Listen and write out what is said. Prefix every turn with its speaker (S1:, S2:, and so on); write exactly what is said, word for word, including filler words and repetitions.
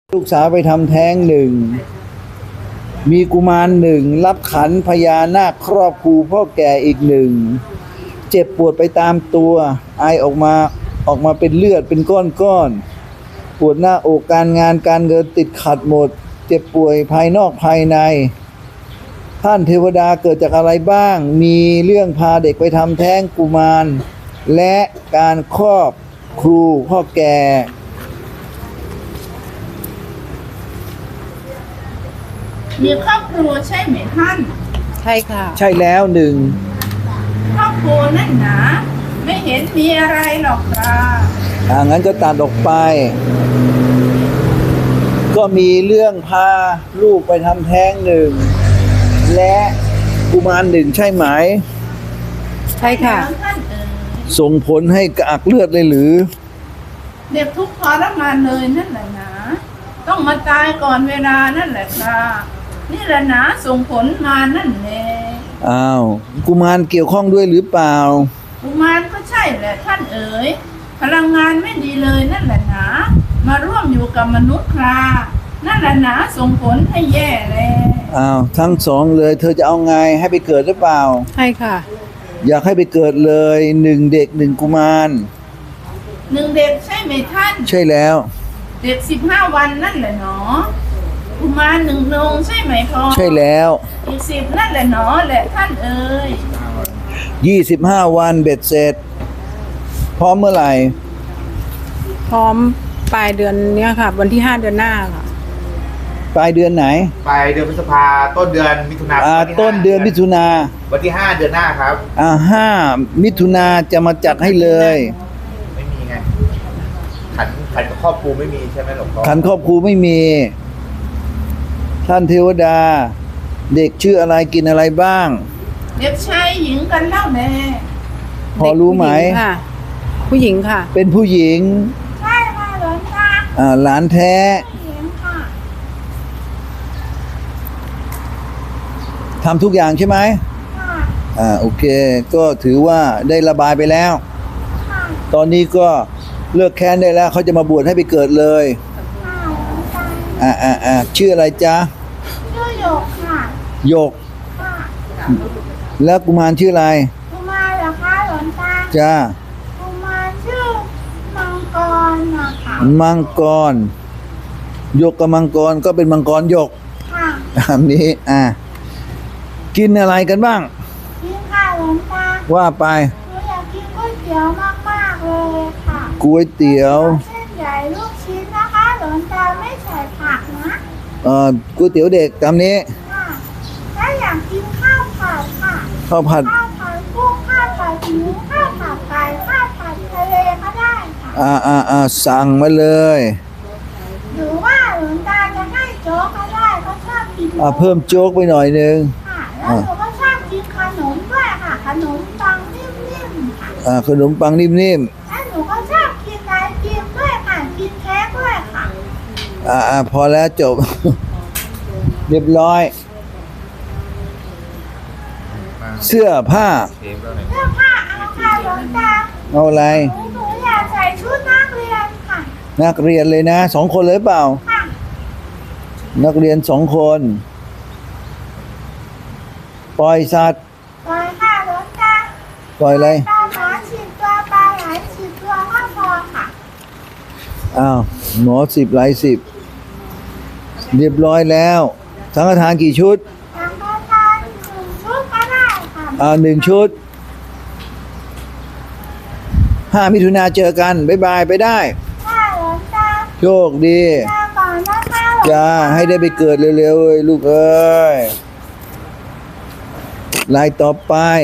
S1: ลูกสาวไปทำแท้งหนึ่งมีกุมารหนึ่งรับขันพญานาคครอบครูพ่อแก่อีกหนึ่งเจ็บปวดไปตามตัวไอออกมาออกมาเป็นเลือดเป็นก้อนๆปวดหน้าอกการงานการเงินติดขัดหมดเจ็บป่วยภายนอกภายในท่านเทวดาเกิดจากอะไรบ้างมีเรื่องพาเด็กไปทำแท้งกุมารและการครอบครูพ่อแก่
S2: มีครอบครัวใช่ไหมท่าน
S3: ใช่ค่ะ
S1: ใช่แล้วหนึ่ง
S2: ครอบครัวนั่นหนาไม่เห็นมีอะไรหรอกครับ
S1: อ่างั้นก็ตัดออกไปก็มีเรื่องพาลูกไปทำแท้งหนึ่งและกุมารหนึ่งใช่ไหม
S3: ใช่ค่ะ
S2: ท่านเอ๋ย
S1: ส่งผลให้กระอักเลือดเลยหรือ
S2: เด็กทุกข์ทรมานเลยนั่นแหละนะต้องมาตายก่อนเวลานั่นแหละครับนี่แหละนะส่งผลมานั่นแหละ
S1: อ้าวกุมารเกี่ยวข้องด้วยหรือเปล่า
S2: กุมารก็ใช่แหละท่านเอ๋ยพลังงานไม่ดีเลยนั่นแหละนะมาร่วมอยู่กับมนุษย์ครานั่นแหละนะส่งผลให้แย่เลย
S1: อ้าวทั้งสองเลยเธอจะเอาไงให้ไปเกิดหรือเปล่า
S3: ใช่ค่ะ
S1: อยากให้ไปเกิดเลยหนึ่งเด็กหนึ่งกุมาร
S2: หนึ่งเด็กใช่ไหมท่าน
S1: ใช่แล้ว
S2: เด็กสิบห้าวันนั่นแหละเนาะกุมารหนึ่งนงใช่ไหมพ่อ
S1: ใช่แล้ว
S2: อีกสิบนั่นแหละเนาะแหละท่านเอ๋ย
S1: ยี่สิบห้าวันเบ็ดเสร็จพร้อมเมื่อไหร่
S3: พร้อมปลายเดือนนี้ค่ะวันที่ห้าเดือนหน้าค่ะ
S1: ปลายเดือนไหน
S4: ปลายเดือนพฤษภาต้นเดือนมิถุนา
S1: อ่าต้นเดือนมิถุนา
S4: วันที่ห้าเดือนหน้าครับ
S1: อ่าห้ามิถุนาจะมาจัดให้เลย
S4: ไม่มีไงขันขันครอบครูไม่มีใช่ไหมหลวงพ่อ
S1: ขันครอบครูไม่มีท่านเทวดาเด็กชื่ออะไรกินอะไรบ้าง
S2: เด็กชายหญิงกันเล่าแม่
S1: พอรู้ไหม
S3: ค่ะผู้หญิงค่ะ
S1: เป็นผู้หญิง
S2: ใช่ค่ะหลวงตา
S1: อ่าหลานแท้ทำทุกอย่างใช่ไหมอ่าโอเคก็ถือว่าได้ระบายไปแล้วตอนนี้ก็เลิกแค้นได้แล้วเขาจะมาบวชให้ไปเกิดเลยอ่าอ่าอ่าชื่ออะไรจ๊ะ
S2: ชื่อหยกค่ะ
S1: หยกแล้วกุมารชื่ออะไร
S2: กุมารเหรอคะหลวงตา
S1: จ้า
S2: กุมารชื่อมังกรนะคะ
S1: มังกรหยกกับมังกรก็เป็นมังกรหยก
S2: ค่ะ
S1: อันนี้อ่ากินอะไรกันบ้าง
S2: กินค่ะหลวงตา
S1: ว่าไป
S2: หนูอยากกินก๋วยเตี๋ยวมากๆเลยค่ะ
S1: ก๋วยเตี๋ยว
S2: เส้นใหญ่ลูกชิ้นนะคะหลวงตาไม่ใส่ผักนะ
S1: เอ่อก๋วยเตี๋ยวเด็กตามนี้
S2: ค่ะถ้าอยากกินข้าวผัดค่ะ
S1: ข้าวผัด
S2: ข้าวผัดกุ้งข้าวผัดหมูข้าวผัดไก่ข้าวผัดทะเลก็ได้ค่ะ
S1: อ่าอ่าอ่าสั่งมาเลย
S2: หรือว่าหลวงตาจะให้โจ๊กก็ได้ก็ชอบกิน
S1: อ่าเพิ่มโจ๊กไปหน่อยนึง
S2: แล้วหนูก็ชอบกินขนมด้วยค่ะขนมปังนิ่มๆค่ะ
S1: อ่าขนมปังนิ่ม
S2: ๆแล้วหนูก็ชอบกินไอติมด้วยค่ะกินเค้กด้วยค่ะ
S1: อ่าอ่าพอแล้วจบ เรียบร้อยเสื้อผ้า
S2: เสื้อผ้าเอาค่ะหลวงตา
S1: เอาอะไร
S2: หนูอยากใส่ชุดนักเรียนค่ะ
S1: นักเรียนเลยนะสองคนเลยเปล่า
S2: ค่ะ
S1: นักเรียนสองคนปล่อยสัตว์
S2: ปล่อยค่ะหลวงตา
S1: ปล่อยอะไร
S2: ปลาหมาสิบตัวปลาไหลสิบตัวก็พอค่ะ
S1: อ้าวหมอสิบไหลสิบเรียบร้อยแล้วสังฆทานกี่ชุด
S2: สังฆทานหนึ่งชุดก็ได้ค่ะ
S1: อ่าหนึ่งชุดห้ามิถุนาเจอกันบ๊ายบายไปได้
S2: ค่ะหลวงตา
S1: โชคดี
S2: ลาก่อนนะคะ
S1: จ้าให้ได้ไปเกิดเร็วๆเลยลูกเอ้ยลายต่อไป